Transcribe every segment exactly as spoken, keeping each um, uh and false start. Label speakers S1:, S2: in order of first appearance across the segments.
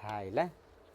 S1: हायला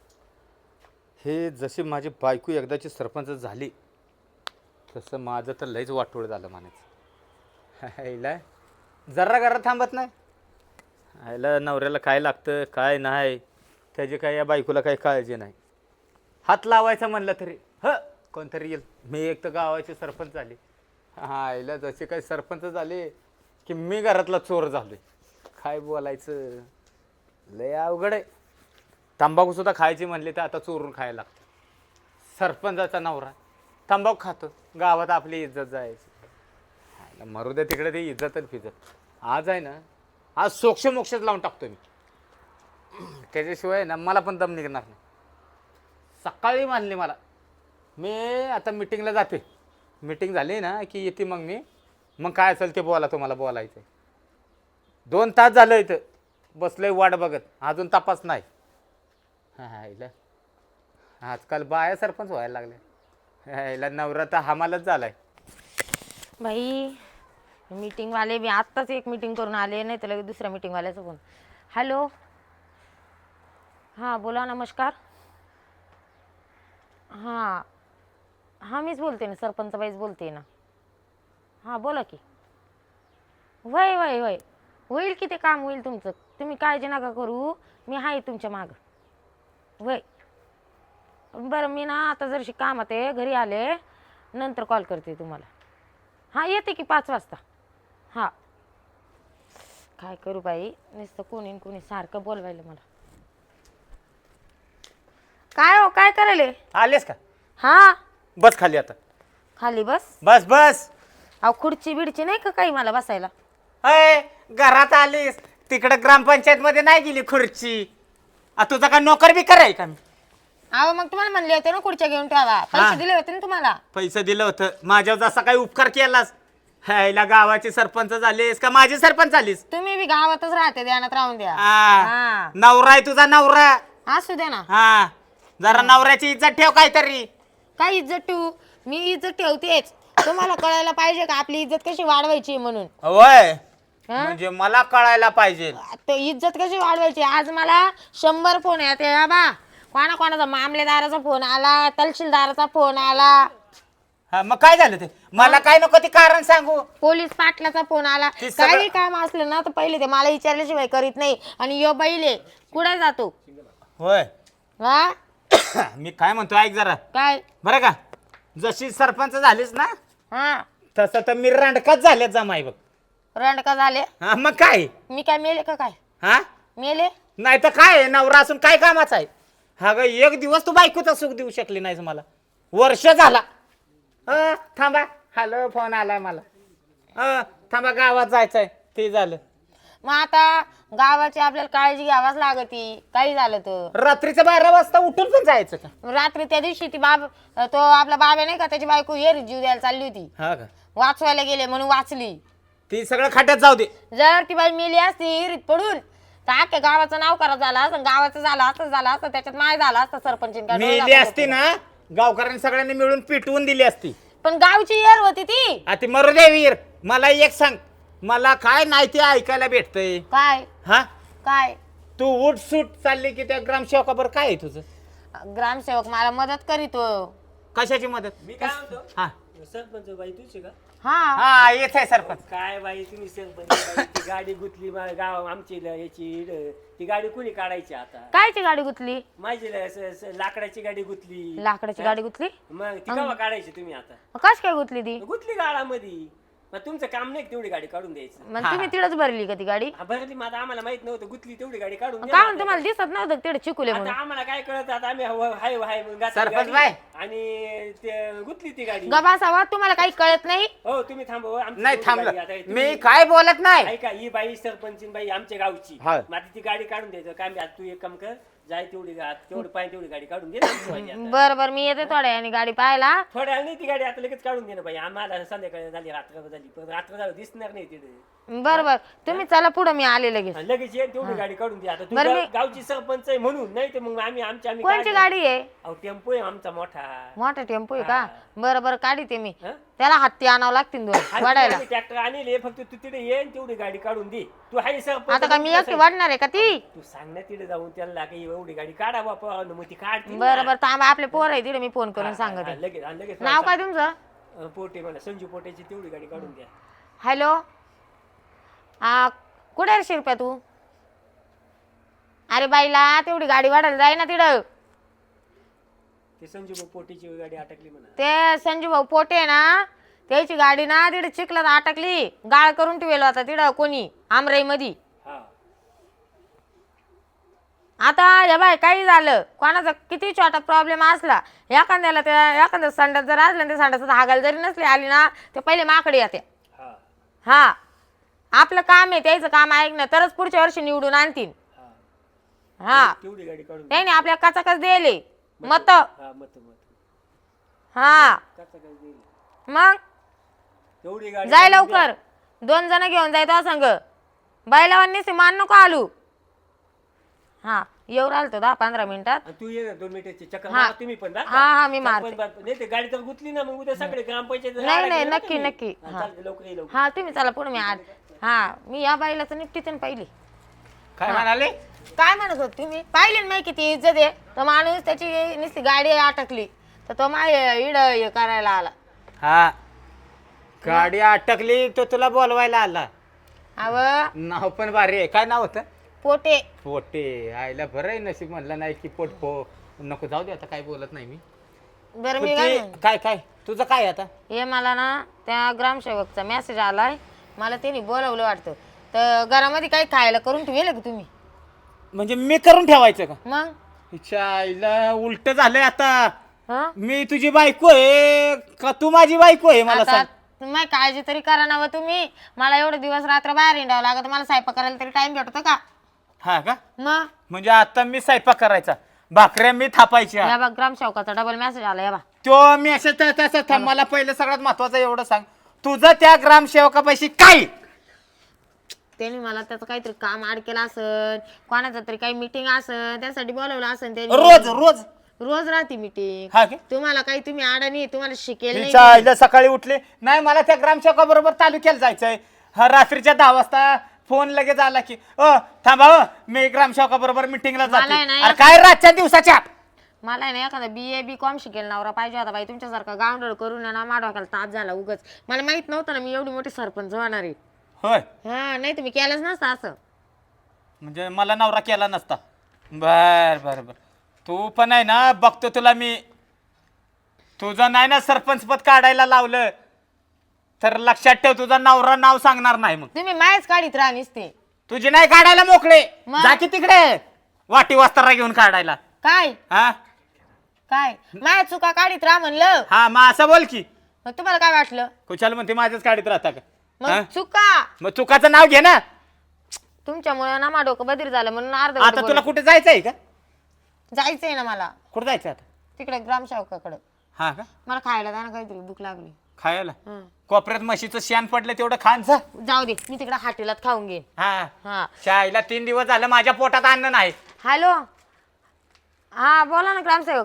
S1: हे जशी माझी बायको एकदाची सरपंच झाली तसं माझं तर लयच वाटोळ झालं म्हणायचं. हायला जरा घरात थांबत नाही. हायला नवऱ्याला काय लागतं काय नाही त्याची काय या बायकोला काही काळजी नाही. हात लावायचा म्हणलं तरी ह कोणतरी येईल. मी एक तर गावाचे सरपंच झाले. हायला जसे काही सरपंच झाले की मी घरातला चोर झालोय. काय बोलायचं लय अवघड आहे. तंबाखू सुद्धा खायची म्हणली तर आता चोरून खायला लागतं. सरपंचाचा नवरा तंबाखू खातो गावात आपली इज्जत जायची. मरू दे तिकडे ती इज्जत आणि फिजत. आज आहे ना आज सोक्ष मोक्षच लावून टाकतो मी. त्याच्याशिवाय ना मला पण दम निघणार नाही. सकाळी मानली मला मी आता मिटिंगला जाते. मिटिंग झाली ना की येते मग मी मग काय असेल ते बोला तुम्हाला बोलायचं. दोन तास झालं इथं बसलंय वाट बघत अजून तपास नाही. हा हिला आजकाल बाया सरपंच व्हायला लागल्या. हिला नवरा तर हमालच झालाय.
S2: बाई मीटिंगवाले मी आत्ताच एक मीटिंग करून आले नाही तर लगेच दुसऱ्या मीटिंगवाल्याचा फोन. हॅलो हां बोला नमस्कार. हां हां मीच बोलते ना सरपंच बाईच बोलते ना. हां बोला की. वय वय वय होईल की ते काम होईल तुमचं. तुम्ही काळजी नका करू मी आहे तुमच्या मागं. वय बरं मी ना आता जरशी कामात आहे घरी आले नंतर कॉल करते तुम्हाला. हां येते की पाच वाजता. हां काय करू बाई नुसतं कोणी कोणी सारखं बोलवायला मला. काय हो काय करायले
S1: आलेस का?
S2: हां
S1: बस खाली आता. खाली
S2: बस
S1: बस बस.
S2: अहो खुर्ची बिडची नाही का काही मला बसायला.
S1: अय घरात आलीस तिकडे ग्रामपंचायत मध्ये नाही गेली खुर्ची. आ तुझा का नोकर बी कराय का मी?
S2: अहो मग तुम्हाला म्हणले होते ना खुर्च्या घेऊन ठेवा. पैसे दिले होते ना तुम्हाला.
S1: पैसे दिलं होतं माझ्यावर जसा काही उपकार केलास. ह्याला गावाची सरपंच झालीस का माझी सरपंच झालीस?
S2: तुम्ही बी गावातच राहते ध्यानात राहून द्या.
S1: हा नवरा आहे तुझा नवरा.
S2: असू द्या ना.
S1: हा जरा नवऱ्याची इज्जत ठेव काहीतरी.
S2: काय इज्जत ठेवू मी इज्जत ठेवतेच. तुम्हाला कळायला पाहिजे का आपली इज्जत कशी वाढवायची म्हणून.
S1: होय म्हणजे मला कळायला पाहिजे
S2: ते इज्जत कशी वाढवायची. आज मला शंभर फोन येते बाबा. कोणा कोणाचा मामलेदाराचा फोन आला तहसीलदाराचा फोन आला.
S1: हा मग काय झालं ते मला काय नको ते कारण सांगू.
S2: पोलीस पाटलाचा फोन आला. काही काम असलं ना तर पहिले ते मला विचारल्याशिवाय करीत नाही. आणि यो बैले कुठे जातो.
S1: होय
S2: हा
S1: मी काय म्हणतो ऐक जरा.
S2: काय
S1: बरं का जशी सरपंच झालीस ना
S2: हा
S1: तसं तर मी रांडकाच झाले जमाई बघ.
S2: रंडका झाले.
S1: हा मग काय
S2: मी काय मेले का काय
S1: हा
S2: मेले.
S1: नाही तर काय नवरा असून काय कामाचा आहे. हा ग एक दिवस तू बायकोचा सुख देऊ शकली नाहीस मला. वर्ष झाला. अ थांबा हॅलो फोन आलाय मला. अ थांबा गावात जायचंय ते झालं.
S2: मग आता गावाची आपल्याला काळजी घ्यावाच लागती. काही झालं तर
S1: रात्रीचं बारा वाजता उठून पण जायचं का?
S2: रात्री त्या दिवशी ती बाब तो आपला बाबा नाही का त्याची बायको येर जीव द्यायला चालली होती.
S1: हा का
S2: वाचवायला गेले म्हणून वाचली.
S1: ती सगळं खाट्यात जाऊ दे.
S2: जर ती बाई मेली असती हिरीत पडून तर अख्ख्या गावाचं नाव करा झाला असं गावाचं झालं असं झालं असतं. त्याच्यात माय झाला असतं सरपंच.
S1: मेली असती ना गावकऱ्यांनी सगळ्यांनी मिळून पिटवून दिली असती.
S2: पण गावची येर होती ती.
S1: आता मरू दे वीर. मला एक सांग मला काय नाही ते ऐकायला भेटतंय.
S2: काय
S1: हा
S2: काय
S1: तू उठ सूट चालली की त्या ग्रामसेवकाबर काय आहे तुझं?
S2: ग्रामसेवक मला मदत करीतो.
S1: कशाची मदत?
S3: मी काय म्हणतो
S1: हा
S3: सरपंच बाई तुझी का
S2: हा
S1: हा येत आहे सरपंच.
S3: काय बाई तुम्ही सरपंच बाई, ती गाडी गुतली मा- गाव आमची ल- याची इड. ती गाडी कुणी काढायची आता?
S2: कायची गाडी गुतली.
S3: माझी ल- स- स- लाकडाची गाडी गुतली.
S2: लाकडाची गाडी गुतली.
S3: मग ती केव्हा काढायची तुम्ही आता?
S2: कश काय गुतली ती.
S3: गुतली गाळामध्ये. मग तुमचं काम नाही का तेवढी गाडी काढून द्यायचं?
S2: मग तुम्ही तिडच भरली का ती गाडी.
S3: हा, भरली मग आता आम्हाला माहित नव्हतं गुतली तेवढी गाडी काढून द्या
S2: का
S3: ना
S2: म्हणून तुम्हाला दिसत नव्हतं तिकडे चिकुले
S3: आता.
S2: म्हणून.
S3: आता आम्हाला काय कळत आता आम्ही हव- हाय हाय म्हणून घातली
S1: सरपंच
S3: गाडी
S1: बाई.
S3: आणि ते गुतली ती गाडी.
S2: गबासावा तुम्हाला काही कळत नाही.
S3: हो तुम्ही थांबव आमची
S1: नाही
S3: तेवढी
S1: थांबलं
S3: गाडी आता तुम्ही-
S1: मी काय बोलत नाही.
S3: ऐका ही बाई सरपंचीन बाई आमच्या गावची.
S1: हा.
S3: मग आता ती गाडी काढून द्यायचं काय मी आता तू एक काम कर जाय तेवढी गा- तेवढं पाय तेवढी गाडी काढून दे ना आमची वाली आता.
S2: बर बर मी येते थोड्या आणि गाडी पाहायला.
S3: थोड्या वेळाने ती गाडी आता लगेच काढून दे ना बाई आम्हाला संध्याकाळी झाली रात्र झाली पण रात्र झाली दिसणार नाही तिथे.
S2: बरं बरं तुम्ही चला पुढं, मी आले लगेच.
S3: आणि लगेच ये तेवढी गाडी काढून दे. आता तू
S2: बरं,
S3: गाव-
S2: मी-
S3: गावची सरपंच आहे म्हणून, नाही तर मग आम्ही आमच्या आम्ही
S2: कोणची
S3: काढलं.
S2: गाडी आहे?
S3: अहो टेम्पो आहे आमचा मोठा.
S2: मोठा टेम्पो आहे का? बरं बरं काढते मी.
S3: हं?
S2: त्याला हत्ती आणावं लागतील दोन वाढायला.
S3: ट्रॅक्टर आणले, फक्त तू तिथे ये आणि तेवढी गाडी काढून दे. तू हाय सरपंच.
S2: आता का मी एकटी वाढणार आहे का ती?
S3: तू सांग ना तिथे जाऊन त्याला की एवढी गाडी काढा बापा, मग ती काढते ना.
S2: बरं बरं थांबा, आपले पोर आहे तिथे, मी फोन करून
S3: हा,
S2: सांगते.
S3: हा, लगेच आणि लगेच
S2: नाव काय तुमचं?
S3: अं, पोटे मला संजू पोटेची तेवढी गाडी काढून द्या.
S2: हॅलो, हा कुठे आहे शिरप्या तू? अरे बाईला तेवढी गाडी वाढायला जाय ना तिथं.
S3: ते संजू पोटेची गाडी अटकली म्हणा.
S2: ते संजू भाऊ पोटे आहे ना, त्याची गाडी ना तिथे चिखलात अटकली, गाळ करून ठेवलं होता तिथं कोणी आमराई मध्ये.
S3: हा
S2: आता या बाय काही झालं, कोणाचा किती छोटा प्रॉब्लेम असला, एखाद्याला त्या एखाद्या संडास जर असला ते संडासात हागायला जरी नसली आली ना, ते पहिले माकडे येते.
S3: हा
S2: हा आपलं काम आहे, त्याचं काम ऐकणं, तरच पुढच्या वर्षी निवडून आणतील.
S3: हा
S2: हा
S3: तेवढी गाडी काढून द्या.
S2: त्याने आपल्या कचाकच दिले मत.
S3: हा मत मत
S2: हा
S3: कसा काय देईल?
S2: मग
S3: तेवढी गाडी
S2: जाय
S3: काढून द्या.
S2: लवकर, दोन जण घेऊन जाय तो संग. बैलावांनी मान नको आलू. हा येऊ राहिल तो दहा पंधरा मिनिटात.
S3: आणि तू ये ना दोन मिनिटाची चक्कर
S2: हा.
S3: मारा तुम्ही पण बरं का?
S2: हा हा मी मारते.
S3: सरपंच बाप- नाही ते गाडी तर गुतली ना, मग उद्या सगळे ग्रामपंचायत
S2: नाही नाही नक्की नक्की. हा
S3: लवकर ये लवकर.
S2: हा तुम्ही चला पुढे, मी आज हा मी या बाईलाच निपटीते ना पहिली.
S1: काय म्हणाले?
S2: काय म्हणत होत तुम्ही? पाहिले ना मी किती इज्जत आहे. तो माणूस त्याची नुसती गाडी अटकली तर तो माय इड हे करायला आला.
S1: हा गाडी अटकली तो तुला बोलवायला आला.
S2: अव
S1: नाव पण भारी आहे. काय नाव होतं?
S2: पोटे.
S1: पोटे. आईला बरं आहे, नशीब म्हणलं नाही की पोट पो नको, जाऊ दे आता, काय बोलत नाही मी.
S2: बरं
S1: पण
S2: मी काय
S1: ते-
S2: म्हणते,
S1: काय काय तुझं काय आता?
S2: हे मला ना त्या ग्रामसेवकचा मेसेज आलाय, मला त्यांनी बोलवलं वाटतं. तर घरामध्ये काही खायला करून ठेवलं की तुम्ही?
S1: म्हणजे मी करून ठेवायचं का?
S2: मग
S1: हिच्या आईला उलट झालंय आता.
S2: हं?
S1: मी तुझी बायको आहे का तू माझी बायको आहे मला
S2: आता
S1: सांग.
S2: तुम्ही काळजी तरी करा ना व तुम्ही. मला एवढे दिवस रात्र बाहेर हिंडावं लागत, मला स्वयंपाक करायला तरी टाइम भेटतो का?
S1: हा का?
S2: मग
S1: म्हणजे आता मी स्वयंपाक करायचा, भाकऱ्या मी थापायच्या.
S2: या बा ग्रामसेवकाचा डबल मेसेज आला. या बा
S1: तो मी असं त- तसं थांब. मला पहिलं सगळ्यात महत्वाचं एवढं सांग, तुझं त्या ग्रामसेवकापाशी काय?
S2: त्यांनी मला त्याचं काहीतरी काम आड केलं असन, कोणाचं तरी काही मीटिंग असन, त्यासाठी बोलवलं असन त्यांनी.
S1: रोज रोज
S2: रोज राहते मीटिंग.
S1: हा का?
S2: तुम्हाला काही तुम्ही आडाणी तुम्हाला शिकेल नाही
S1: हिच्या आईला सकाळी उठले नाही, मला त्या ग्रामसेवका बरोबर तालुक्याला जायचंय. हा रात्रीच्या दहा वाजता फोन लगेच आला की अ थांबा हो, मी ग्रामसेवका बरोबर मिटिंगला
S2: मला
S1: जाते.
S2: आहे ना
S1: अरे काय रातच्या दिवसाच्या?
S2: मला आहे ना एखादा बी ए बी कॉम शिकेल नवरा पाहिजे होता बाई. तुमच्यासारखा गावंडळ करून ना माडवाकाला ताप झाला उगच. मला माहित नव्हतं ना मी एवढी मोठी सरपंच होणार आहे.
S1: होय,
S2: हा नाही तुम्ही केलंच नसतं असं.
S1: म्हणजे मला नवरा केला नसता. बर बर बर, तू पण आहे ना, बघतो तुला मी. तुझं नाही ना सरपंच पद काढायला लावलं तर लक्षात ठेव, तुझा नवरा नाव सांगणार नाही. मग
S2: तुम्ही मायच काढीत राहा नुसते.
S1: तुझी नाही काढायला मोकळे,
S2: मग?
S1: जा की तिकडे वाटी वस्तारा घेऊन काढायला.
S2: काय
S1: हा
S2: काय माया चुका काढीत राहा म्हणलं.
S1: हा मग असं बोल की.
S2: मग तुम्हाला काय वाटलं?
S1: कुशाल म्हणते माझ्याच काढीत राहता का? हा?
S2: मग चुका
S1: मग चुकाचं नाव घे ना.
S2: तुमच्यामुळे ना मा डोकं बधीर झालं म्हणून अर्ध
S1: आता तुला कुठे जायचंय का?
S2: जायचंय ना मला
S1: कुठे जायचं आता?
S2: तिकडे ग्रामसेवकाकडे.
S1: हा का?
S2: मला खायला जा ना काहीतरी, भूक लागली.
S1: खायला
S2: हं.
S1: कोपऱ्यात म्हशीचं शेण पडलं तेवढं खान जा.
S2: जाऊ दे, मी तिकडे हाटेलात खाऊन घेईन.
S1: हा
S2: हा
S1: शाळेला तीन दिवस झालं माझ्या पोटात अन्न नाही.
S2: हॅलो, हा बोला ना ग्रामसेवक.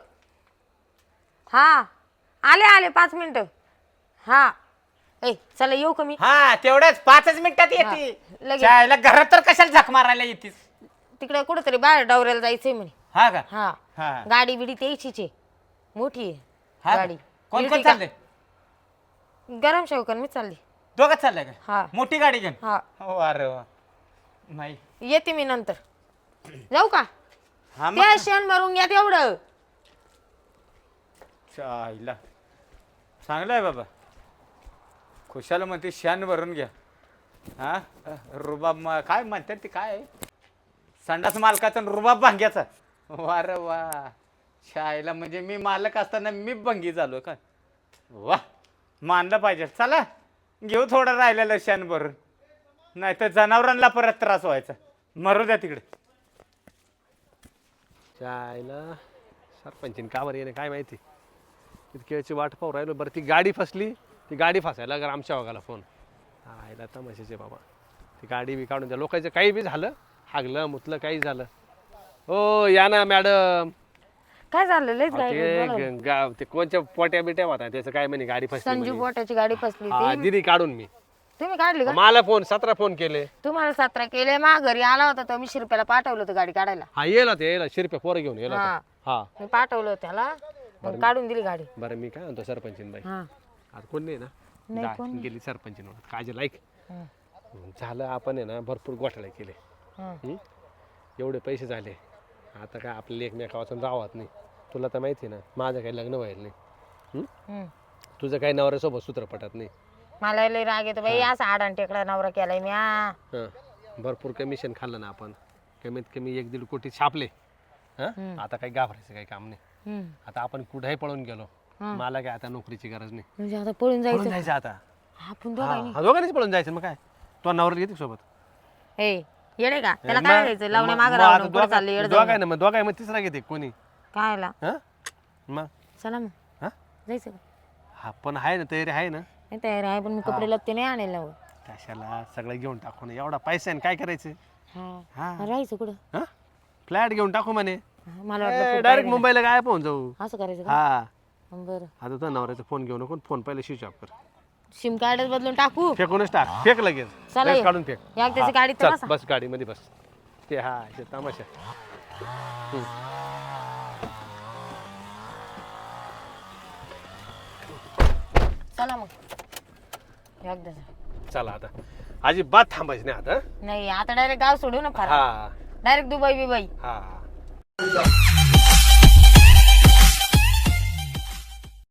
S2: हा आले आले पाच मिनिटं. हा ए चला येऊ का मी?
S1: हा तेवढंच पाचच मिनिटात
S2: हा,
S1: येते.
S2: लगेच.
S1: शाळेला घरात तर कशाला झक मारायला येतीस?
S2: तिकडे कुठेतरी बाहेर डवऱ्याला जायचंय म्हणे.
S1: हा का?
S2: हा
S1: हा
S2: गाडी बिडी त्याचीच आहे, मोठी आहे
S1: हा का?
S2: गाडी.
S1: कोण कोण
S2: इर्टिगा.
S1: चाललंय?
S2: ग्रामसेवकांनी मी चालली.
S1: दोघंच चाललंय का?
S2: हा
S1: मोठी गाडी घेऊन?
S2: हा
S1: हो अरे वा. नाही
S2: येते मी नंतर. जाऊ का?
S1: हा मग
S2: त्या शेण भरून घ्या तेवढं.
S1: चायला चांगलं आहे बाबा. खुशाला म्हणते शान भरून घ्या. हा रुबाब म- काय म्हणतात ते काय आहे? संडास मालकाचा आणि रुबाब भांग्याचा. वार वा, शाळेला म्हणजे मी मालक असताना मी भंगी झालो का? वा, मानलं पाहिजे. चला घेऊ थोडं राहिलेलं शान भरून, नाही तर जनावरांना परत त्रास व्हायचा. मरू द्या तिकडे.
S4: चायला सरपंचीन का बरं येणे काय माहिती. इतकी वेळची वाट पाहू राहिलो. बरं ती गाडी फसली, ती गाडी फसायला ग्रामसेवकाला फोन. आयला तमाशाचे बाबा. ती गाडी बी काढून द्या लोकांचं काही बी झालं हागलं मुतलं काही झालं. हो या ना मॅडम.
S2: काय झालं लयच गाडी
S4: ते
S2: बोलावलं.
S4: ग- गा- ते कोणच्या पोट्या बिट्या होता त्याचं काय म्हणे गाडी फसली
S2: संजू
S4: म्हणे.
S2: बोटाची गाडी फसली
S4: हा
S2: ती
S4: दिली काढून मी.
S2: तुम्ही काढली का
S4: मला फोन सतरा फोन केले.
S2: तुम्हाला सतरा केले मा घरी आला होता तर वीस रुपयाला पाठवलं होतं गाडी काढायला.
S4: हा येला ते येला शिरप्या पोरं घेऊन येला
S2: हा
S4: होता. हा
S2: मी पाठवलं होतं त्याला मग काढून दिली गाडी.
S4: बरं मी काय म्हणतो सरपंचीन बाई
S2: हा
S4: आता कोण नाही ना
S2: नाही,
S4: जा,
S2: कोण
S4: गेली सरपंचीन काळजी लाईक
S2: हं,
S4: झालं आपण आहे ना भरपूर घोटाळे केले.
S2: हं.
S4: हं? एवढे पैसे झाले आता काय आपल्याला एकमेकावाचून राहत नाही. तुला तर माहिती आहे ना माझं काही लग्न व्हायला नाही. हं?
S2: हं.
S4: तुझं काही नवऱ्यासोबत सूत्र पटत नाही.
S2: मला लय राग येतो बाई असा आडान टेकडा नवरा केलाय मी हा.
S4: हं. भरपूर कमिशन खाल्लं ना आपण कमीत कमी एक दीड कोटी छापले. हं?
S2: हं.
S4: आता काही घाबरायचं काही काम नाही.
S2: हं.
S4: आता आपण कुठेही पळून गेलो
S2: हं.
S4: मला काय आता नोकरीची गरज नाही.
S2: म्हणजे आता पळून
S4: पळून
S2: जायचं
S4: जायचं आता.
S2: आपण दोघांनी
S4: हा, दोघांनीच पळून जायचं मग काय तो नवरा घेते सोबत.
S2: हे येडे का त्याला
S4: मग-
S2: काय द्यायचं लावणे
S4: मग-
S2: मागं
S4: मग आता
S2: राहून पुढे
S4: दोघा-
S2: चालले येड
S4: दोघा आहे ना मग दोघा आहे मग तिसरा घेते कोणी.
S2: कायला
S4: हं? मग
S2: चला मग
S4: हा
S2: जायचं का
S4: हा पण आहे ना तयारी आहे ना.
S2: नाही तयार आहे पण मी कपडे लत्ते नाही आणेल ना हो.
S4: कशाला सगळं घेऊन टाकू ना एवढा पैसा आहे ना काय करायचं.
S2: हा
S4: हा
S2: राहायचं कुठं
S4: हा फ्लॅट घेऊन टाकू म्हणे
S2: हा, मला वाटलं खूप
S4: डायरेक्ट
S2: बाहेर
S4: मुंबईला काय पोहून जाऊ.
S2: आहे. असं करायचं का
S4: हा
S2: बरं
S4: आता तो नवऱ्याचा फोन घेऊ नको फोन पहिले स्विच ऑफ कर
S2: सिम कार्डच बदलून टाकू
S4: फेकूनच टाक फेक लगेच
S2: चला
S4: लगेच
S2: ये.
S4: काढून फेक.
S2: या त्याची
S4: हा,
S2: गाडी तर
S4: चल,
S2: बसा.
S4: बस गाडीमध्ये बस ते हा ते तमाशा. हम्म.
S2: चला मग एकदा
S4: चला आता अजिबात थांबायचं नाही आता.
S2: नाही आता डायरेक्ट गाव सोडू ना फार
S4: हा
S2: डायरेक्ट दुबई बिबई
S4: हा